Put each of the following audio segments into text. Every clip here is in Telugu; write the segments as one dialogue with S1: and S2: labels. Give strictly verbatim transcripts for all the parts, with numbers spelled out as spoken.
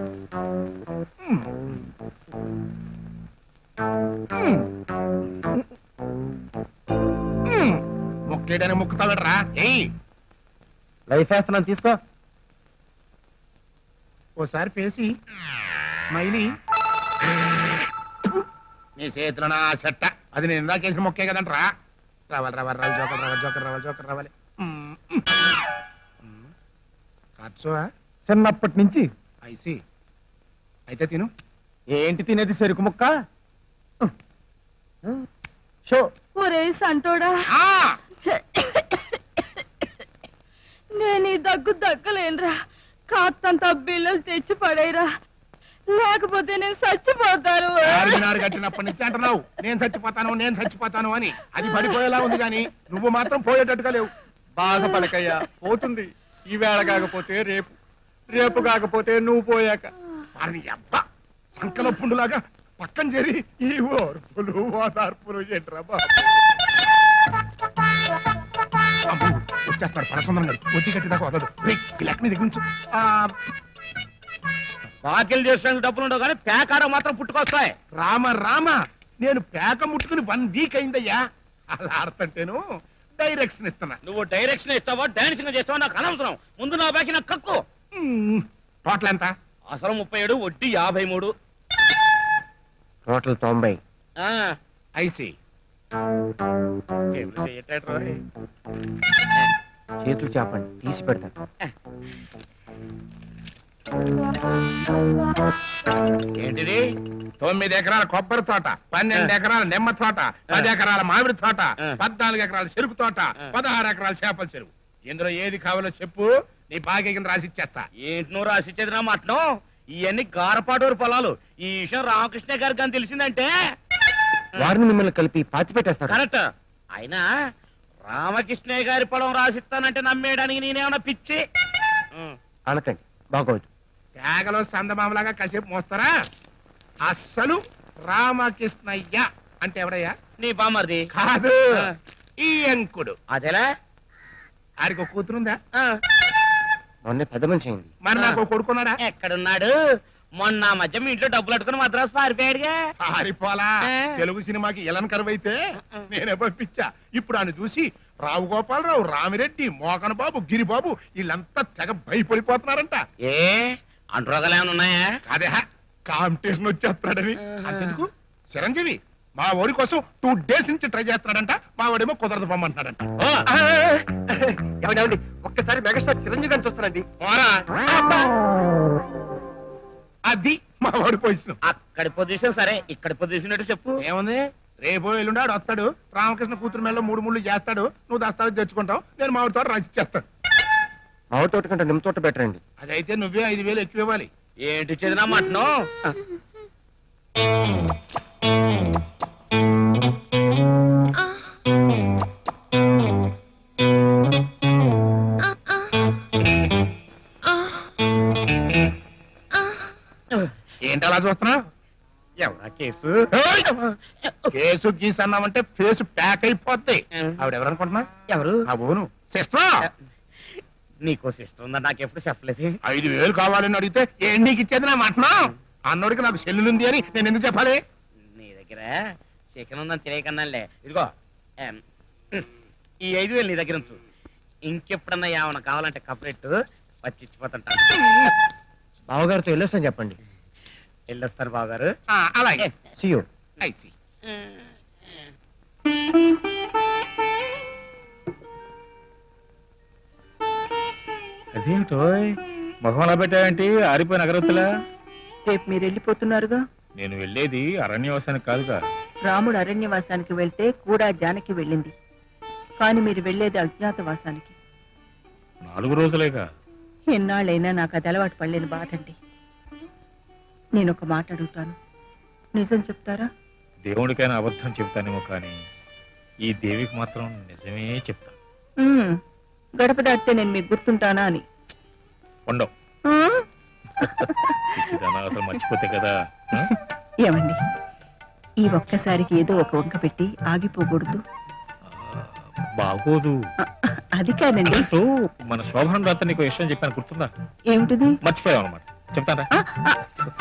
S1: మొక్కేయడానికి మొక్కుతాడరా? ఏయ్,
S2: లైఫ్ వేస్తున్నాను తీసుకో.
S1: ఓసారి పేసి మైలి నీ చేతిలో నా చెట్ట. అది నేను ఇందాకేసిన మొక్కే కదంటరా. రావాలి రావాలి రావాలి జోకర్ రావాలి జోకర్ రావాలి జోకర్ రావాలి. ఖర్చు
S2: చిన్నప్పటి నుంచి.
S1: ఐసి అయితే తిను.
S2: ఏంటి తినేది? చెరుకు ముక్క. షో.
S3: ఒరే సంటోడా, నేను ఈ దగ్గు దగ్గలేనురా. కాస్తంత బిల్లలు తెచ్చి పడేరా, లేకపోతే నేను చచ్చిపోతాను.
S1: చార్మినార్ కట్టినప్పటి నుంచి అంటున్నావు నేను చచ్చిపోతాను నేను చచ్చిపోతాను అని. అది పడిపోయేలా ఉంది కానీ నువ్వు మాత్రం పోయేటట్టుగా లేవు.
S2: బాగా పలకయ్యా, పోతుంది. ఈవేళ కాకపోతే రేపు, రేపు కాకపోతే నువ్వు పోయాక.
S1: వారిని అబ్బా సంకల పుండులాగా పక్కన చేరి ఈ ఓర్పులు ఓదార్పులు ఏంట్రా బాబు. వచ్చేస్తాడు పరసుందరం గారు. వచ్చి కట్టిదాకా వదదు. లెక్క మీద దిగించు.
S2: బాకిల్ చేసడానికి డబ్బులు ఉండవు కానీ పేకారం మాత్రం పుట్టుకొస్తాయి.
S1: రామ రామ, నేను పేక ముట్టుకుని వన్ వీక్ అయిందయ్యా. అలా ఆడుతుంటేను డైరెక్షన్ ఇస్తున్నా.
S2: నువ్వు డైరెక్షన్ ఇస్తావా డాన్సింగ్ చేస్తావా నాకు అనవసరం. ముందు నా బాకి నాకు కక్కు.
S1: టోటల్ ఎంత?
S2: అసలు ముప్పై ఏడు, వడ్డీ యాభై మూడు,
S4: టోటల్ తొంభై.
S1: ఐసి
S4: చేతులు చేపండి, తీసి పెడతాను.
S1: ఏంటిది? తొమ్మిది ఎకరాల కొబ్బరి తోట, పన్నెండు ఎకరాల నిమ్మ తోట, పది ఎకరాల మామిడి తోట, పద్నాలుగు ఎకరాల చెరుకు తోట, పదహారు ఎకరాల చేపల చెరువు. ఇందులో ఏది కావాలో చెప్పు, నీ బాగా రాసిచ్చేస్తా.
S2: ఏంటి నువ్వు రాసిచ్చేది నా మాటను? ఇవన్నీ గారపాటూరు పొలాలు. ఈ విషయం రామకృష్ణ గారికి అని తెలిసిందంటే
S4: వారిని మిమ్మల్ని కలిపి పాతి పెట్టేస్తారు.
S2: కరెక్ట్. అయినా రామకృష్ణయ్య గారి పొలం రాసిస్తానంటే నమ్మేయడానికి నేనేమన్నా పిచ్చి?
S4: అనకండి, బాగోదు.
S1: తేగలో సందమామలాగా కాసేపు మోస్తారా? అస్సలు రామకృష్ణయ్య అంటే ఎవడయ్యా?
S2: నీ బామర్ది
S1: కాదు, ఈ అంకుడు.
S2: అదేలా?
S1: ఆడికి ఒక కూతురుందా?
S4: మొన్న పెద్ద మనిషి అయింది.
S1: మరి నాకు కొడుకున్నాడా?
S2: ఎక్కడున్నాడు? మొన్న మధ్య మీ ఇంట్లో డబ్బులు అట్టుకుని మద్రాసు పారిపోయాడుగా.
S1: పారిపోలా. తెలుగు సినిమాకి ఎలన్ కరువైతే నేనే పంపించా. ఇప్పుడు ఆయన చూసి రావు గోపాలరావు, రామిరెడ్డి, మోకన్ బాబు, గిరిబాబు వీళ్ళంతా తెగ భయపడిపోతున్నారంట.
S2: ఏ అంటురోగాలు ఏమైనా ఉన్నాయా?
S1: అదే కాంపిటీషన్ వచ్చేస్తాడని. అంతెందుకు, చిరంజీవి మా ఓడి కోసం టూ డేస్ నుంచి ట్రై చేస్తున్నాడంట. మా వాడేమో కుదరదు పొమ్మంటున్నాడంట.
S4: ఏమండి ఒక్కసారి మెగాస్టార్ చిరంజీవి గారిని చూస్తానండి.
S1: అది మా వాడి పొజిషన్.
S2: అక్కడి పొజిషన్ సరే, ఇక్కడ పొజిషన్ ఏంటో చెప్పు.
S1: ఏముంది, రేపు ఎల్లుండాడు వస్తాడు, రామకృష్ణ కూతురు మేళలో మూడు ముళ్ళు చేస్తాడు, నువ్వు దస్తావేజ్ తెచ్చుకుంటావు, నేను మామిడి తోట రాసి చేస్తాను.
S4: మామిడి తోట కంటే నిమ్మ తోట బెటర్ అండి.
S1: అదైతే నువ్వే ఐదు వేలు ఎక్కువ ఇవ్వాలి.
S2: ఏంటి చదినా మటను?
S1: ఏంటి అలా చూస్తున్నావు?
S2: ఎవరా కేసు?
S1: కేసు గీసు అన్నామంటే ఫేస్ ప్యాక్ అయిపోద్ది. ఆవిడ ఎవరనుకుంటున్నా?
S2: ఎవరు?
S1: అవును, సిస్టర్.
S2: నీకో సిస్టర్ ఉందా? నాకెప్పుడు చెప్పలేదు.
S1: ఐదు వేలు కావాలని అడిగితే ఏం నీకు ఇచ్చేది నా మటనా? అన్నోడికి నాకు సెల్లుంది అని నేను ఎందుకు చెప్పాలి?
S2: నీ దగ్గర చికెన్ ఉందని తెలియకన్నాలే. ఇదిగో ఈ ఐదు వేలు నీ దగ్గర ఉంచు. ఇంకెప్పుడన్నా ఏమన్నా కావాలంటే కపరెట్టు వచ్చి ఇచ్చిపోతుంటాను.
S4: బావగారితో వెళ్ళొస్తాను చెప్పండి.
S2: వెళ్ళొస్తారు బావగారు.
S1: అలాగే.
S4: See you.
S1: I see.
S5: అదేమిటో మొహం అలా పెట్టావేంటి? ఆరిపోయిన అగరత్తులా.
S3: రేపు మీరు వెళ్ళిపోతున్నారుగా.
S5: నేను వెళ్ళేది అరణ్యవాసానికి కాదుగా.
S3: రాముడు అరణ్యవాసానికి వెళ్తే కూడా జానకి వెళ్ళింది, కానీ మీరు వెళ్ళేది అజ్ఞాతవాసానికి.
S5: నాలుగు రోజులేగా.
S3: ఎన్నాళ్ళైనా నాకు అది అలవాటు పడలేని బాధండి. నేను ఒక మాట అడుగుతాను, నిజం చెప్తారా?
S5: దేవుడికైనా అబద్ధం చెప్తానేమో కానీ ఈ దేవికి మాత్రం నిజమే చెప్తా.
S3: ఉమ్, గడప దాటితే నేను మీకు గుర్తుంటానా అని.
S5: ఉండవు.
S3: ఆ?
S5: పిచ్చిదానా, అసలు మర్చిపోతే కదా. ఆ?
S3: ఏమండి, ఈ ఒక్కసారికి ఏదో ఒక వంక పెట్టి ఆగిపోకూడదు.
S5: ఆ, బాగోదు.
S3: ఆ, అది కాదండి.
S5: అంటూ మన శోభనం రాత్రి నీకు విషయం చెప్పాను, గుర్తుందా?
S3: ఏమిటిది?
S5: మర్చిపోయావు అనమాట. చెప్తారా
S3: ఆ, ఆ,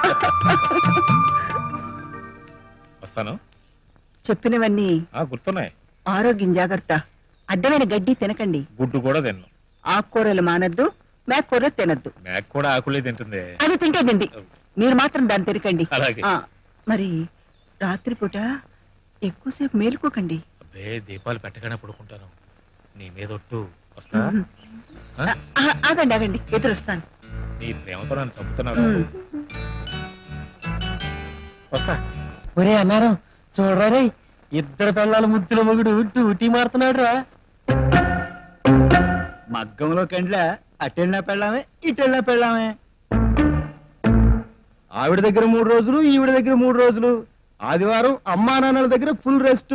S5: వస్తాను
S3: చెప్పినవన్నీ
S5: ఆ గుర్తున్నాయి.
S3: ఆరోగ్యం జాగ్రత్త. అడ్డమైన గడ్డి తినకండి.
S5: గుడ్డు కూడా తిన్ను.
S3: ఆకుకూరలు మానద్దు, మేకూరలు తినద్దు.
S5: మేక కూడా ఆకులే తింటుంది.
S3: అది తింటే తిండి, మీరు మాత్రం దాన్ని తినకండి.
S5: అలాగే.
S3: ఆ, మరి రాత్రిపూట ఎక్కువసేపు మేలుకోకండి.
S5: అబ్బే దీపాలు పెట్టగానే పడుకుంటాను. నీ మీద ఒట్టు. వస్తా. ఆ?
S3: ఆ, ఆ, ఆగండి ఆగండి, ఎదురొస్తాను.
S5: నీ ప్రేమతో నన్ను చంపుతున్నావు.
S3: ఉమ్.
S5: వస్తా.
S4: ఒరే అన్నారం చూడరా రే, ఇద్దరు పిల్లల ముద్దుల మొగుడు డ్యూటీ మారుతున్నాడు రా.
S2: మగ్గంలో కండ్ల అటెళ్ళినా పెళ్ళామే ఇటెళ్ళినా పెళ్ళామే. ఆవిడ దగ్గర మూడు రోజులు, ఈవిడ దగ్గర మూడు రోజులు. ఆదివారం అమ్మా నాన్నల దగ్గర ఫుల్ రెస్ట్.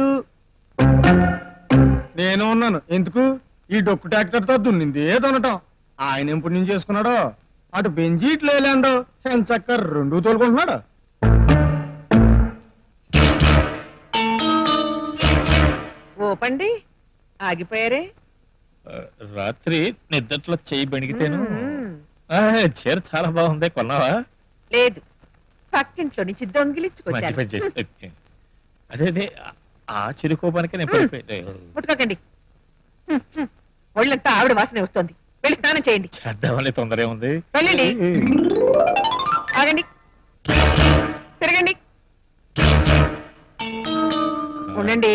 S2: నేను ఉన్నాను ఎందుకు? ఈ డొక్కు ట్రాక్టర్ తో దున్నింది దున్నటం. ఆయన ఎప్పుడు నుంచి చేసుకున్నాడో, అటు బెంజి ఇటు లేలాండో, చక్క రెండు తోలుకుంటున్నాడు.
S3: ఓపండి, ఆగిపోయారే.
S5: ఆ, రాత్రి నిద్దట్లో చెయ్యి బెణికితేను.
S3: మ్మ్.
S5: ఆ, చీర చాలా బాగుంది. కొన్నావా?
S3: లేదు, పక్కింట్లో నుంచి
S5: మంచి
S3: దొంగిలించుకొచ్చాను.
S5: పని చేసి. అదే అదే ఆ- ఆ చిరుకోపానికి నేను పడిపోయాను.
S3: ముట్టుకోకండి. హ్మ్, హ్మ్. ఒళ్ళంతా ఆవిడ వాసన వస్తుంది. వెళ్ళి స్నానం చేయండి.
S5: చేద్దామని తొందర ఉంది.
S3: వెళ్ళండి. ఆగండి, తిరగండి, ఉండండి.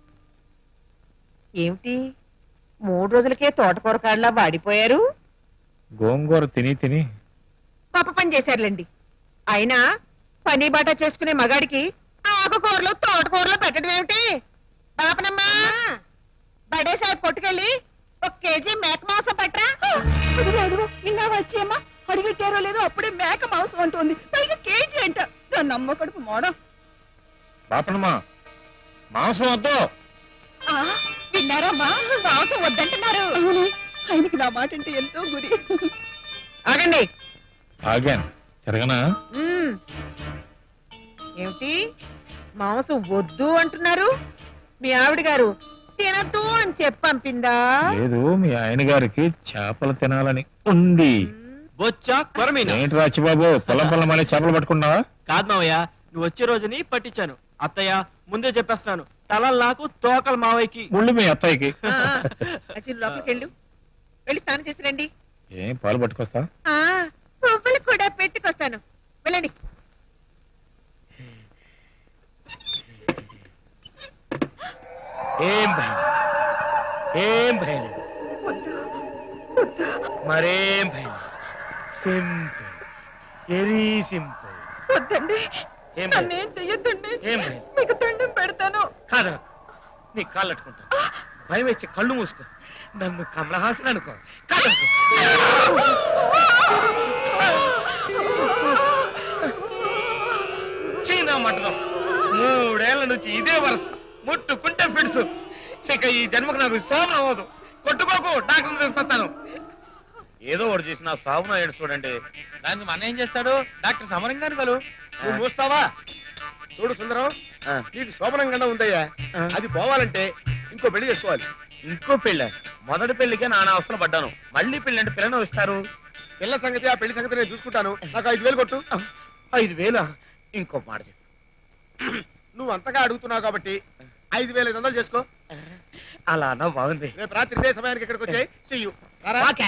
S3: ఏమిటి మూడు రోజులకే తోటకూర కాడలా వాడిపోయారు?
S5: గోంగూర తిని తిని
S3: పాప పని చేశారులేండి. అయినా పని బాట చేసుకునే మగాడికి ఆకుకూరలు తోటకూరలు పెట్టడం ఏమిటి? పాపనమ్మా, బడేసారి కొట్టుకెళ్ళి ఒక కేజీ మేక మాంసం పట్టరా. నిన్న వచ్చేమ్మా అడిగెట్టారో లేదో అప్పుడే మేక మాంసం అంటుంది, పైగా కేజీ అంట. దాన్ని అమ్మ కడుపు మోడ.
S5: పాపనమ్మా మాంసం వద్దు.
S3: విన్నారమ్మా, మాంసం వద్దంటున్నారు. ఆయనకి నా మాట అంటే ఎంతో గురి. ఆగండి.
S5: ఆగాను. తిరగనా?
S3: మ్మ్. ఏమిటి మాంసం వద్దు అంటున్నారు? మీ ఆవిడ గారు తినద్దు అని చెప్పి పంపిందా?
S5: లేదు, మీ ఆయన గారికి చేపలు తినాలని ఉంది.
S6: బొచ్చా కొరమీన
S5: ఏంటి రాచిబాబు, పొలం పొలం అనే చేపలు పట్టుకున్నావా?
S6: కాదు మావయ్య, నువ్వు వచ్చే రోజుని పట్టించాను. అత్తయ్య ముందే చెప్పేస్తున్నాను, తలలు నాకు తోకలు మావయ్యకి.
S5: ముళ్ళు మీ అత్తయ్యకి.
S3: ఆ, అచ్చి లోపలికి వెళ్ళు, వెళ్ళి స్నానం చేసి రండి.
S5: ఏం పాలు పట్టుకొస్తా?
S3: ఆ, పువ్వులు కూడా పెట్టుకొస్తాను, వెళ్ళండి.
S4: ఏం భయం, ఏం భయం, మరేం భయం. Simple, very simple.
S3: వద్దండి,
S4: ఏం భయం,
S3: నన్నేం చెయ్యొద్దండి,
S4: ఏం భయం.
S3: మీకు దండం పెడతాను.
S4: కాదు, నీ కాళ్ళు అట్టుకుంటా. భయం వేస్తే కళ్ళు మూసుకో. నన్ను కమలహాసన్ అనుకో. కాదు చీనా మటం. మూడేళ్ల నుంచి ఇదే వరస. ముట్టుకుంటే పిడుసు. ఇక ఈ జన్మకు నాకు సామం అవ్వదు. కొట్టుకోకు, డాక్టర్ తీసుకొస్తాను. ఏదో ఒకటి చేసి నా సాగున ఏడు చూడండి.
S6: దానికి మన ఏం చేస్తాడు? డాక్టర్ సమరంగాను కలు.
S2: నువ్వు మూస్తావా? చూడు సుందరం, నీకు శోభనంగా ఉందయ్యా. అది పోవాలంటే ఇంకో పెళ్లి చేసుకోవాలి.
S4: ఇంకో పెళ్ళ? మొదటి పెళ్లికే నానా అవసరం పడ్డాను. మళ్ళీ పెళ్లి అంటే పిల్లను ఇస్తారు.
S2: పిల్ల సంగతి, ఆ పెళ్లి సంగతి నేను చూసుకుంటాను. నాకు ఐదు వేలు కొట్టు.
S4: ఐదు వేల? ఇంకో మాట చెప్పు.
S2: నువ్వు అంతగా అడుగుతున్నావు కాబట్టి ఐదు వేల ఐదు వందలు చేసుకో.
S4: అలా అన్నా బాగుంది.
S2: రేపు రాత్రి ఇదే సమయానికి ఇక్కడికి వచ్చాయి. చెయ్యు.
S4: ఓకే.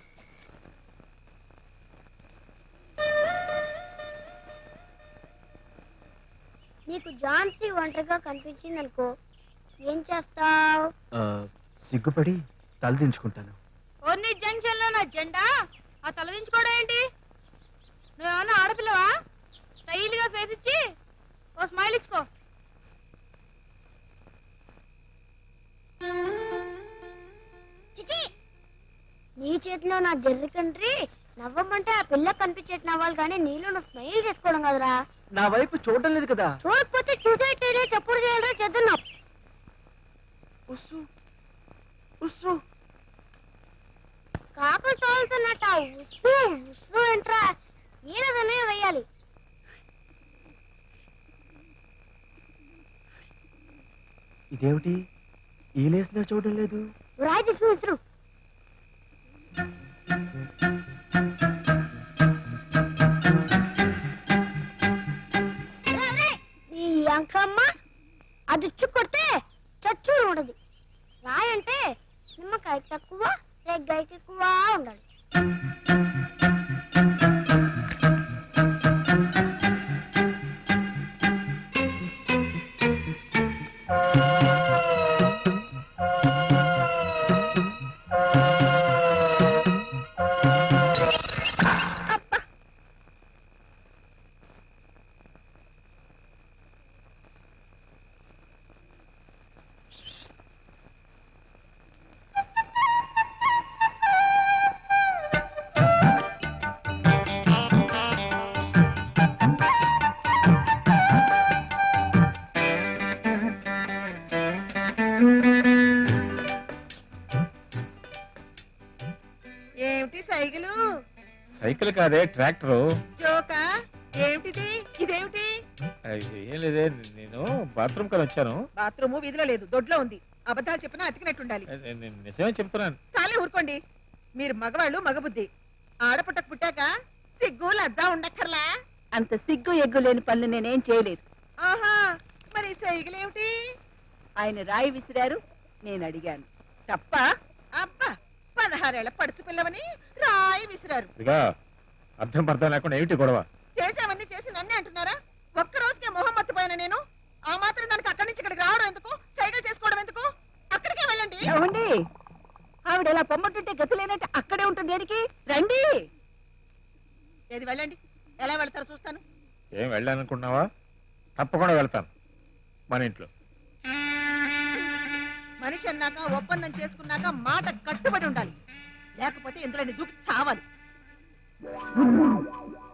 S7: నీకు ఝాన్సీ ఒంటరిగా కనిపించింది అనుకో, ఏం చేస్తావు?
S2: సిగ్గుపడి తలదించుకుంటాను.
S7: ఓన్ని జంక్షన్ లో నా జెండా ఆ తలదించుకోవడం ఏంటి? నువ్వేమన్నా ఆడపిల్లవా? స్టైల్ గా ఫేస్ ఇచ్చి ఓ స్మైల్ ఇచ్చుకో. చిచి, నీ చేతిలో నా జర్రి కంట్రీ నవ్వమంటే ఆ పిల్ల కనిపించేట్టు నవ్వాలి, కానీ నీలో నువ్వు స్మైల్ చేసుకోవడం కదరా.
S6: నా వైపు చూడడం లేదు కదా.
S7: చూడకపోతే చూసేట్టే చెప్పుడు చేయాలరా చేద్దాం.
S6: ఉస్సు ఉస్సు
S7: కాకులు తోలుతున్నట్ట ఉస్సు ఉస్సు ఎంట్రా, ఈయనదనే వేయాలి.
S6: ఇదేమిటి ఈ లేసిన చూడడం లేదు?
S7: రాయి తీసుకుని విసురు.
S8: హైట్ తక్కువ లెగ్ హైట్ ఎక్కువ ఉండాలి.
S3: ఏమిటి సైకిలు
S5: సైకిల్ కాదే ట్రాక్టర్.
S3: జోకా ఏమిటిది ఇదేమిటి
S5: ఏం లేదే, నేను బాత్రూమ్ కని వచ్చాను.
S3: బాత్రూము వీధిలో లేదు దొడ్లో ఉంది. అబద్ధాలు చెప్పినా అతికినట్టుండాలి.
S5: నేను నేను నిజమే చెప్తున్నాను.
S3: చాలే ఊరుకోండి. మీరు మగవాళ్ళు మగబుద్ధి. ఆడపుట్టకు పుట్టాక సిగ్గు లజ్జా ఉండక్కర్లా.
S9: అంత సిగ్గు ఎగ్గు లేని పనులు నేనేం చేయలేదు.
S3: ఆహా మరి సైకిల్ ఏమిటి
S9: ఆయన రాయి విసిరారు, నేను అడిగాను. తప్ప
S3: అబ్బా పదహారేళ్ల పడుచు పిల్లవని రాయి విసిరారు.
S5: ఇదిగా అర్థం పర్థం లేకుండా ఏమిటి గొడవ?
S3: చేసామన్నీ చేసి నన్నే అంటున్నారా? ఒక్క రోజుకే మొహం మర్చిపోయాను నేను. ఆ మాత్రం దానికి అక్కడి నుంచి ఇక్కడికి రావడం ఎందుకు? సైకిల్ చేసుకోవడం ఎందుకు? అక్కడికే వెళ్ళండి.
S9: ఏమండి, ఆవిడ ఎలా పొమ్మటుంటే గతి లేనట్టు అక్కడే ఉంటుంది దేనికి? రండి.
S3: ఏది వెళ్ళండి. ఎలా వెళ్తారో చూస్తాను.
S5: ఏం వెళ్ళాలనుకున్నావా? తప్పకుండా వెళ్తాను. మన ఇంట్లో
S3: మనిషి అన్నాక ఒప్పందం చేసుకున్నాక మాట కట్టుబడి ఉండాలి. లేకపోతే ఇందులో దూకి చావాలి.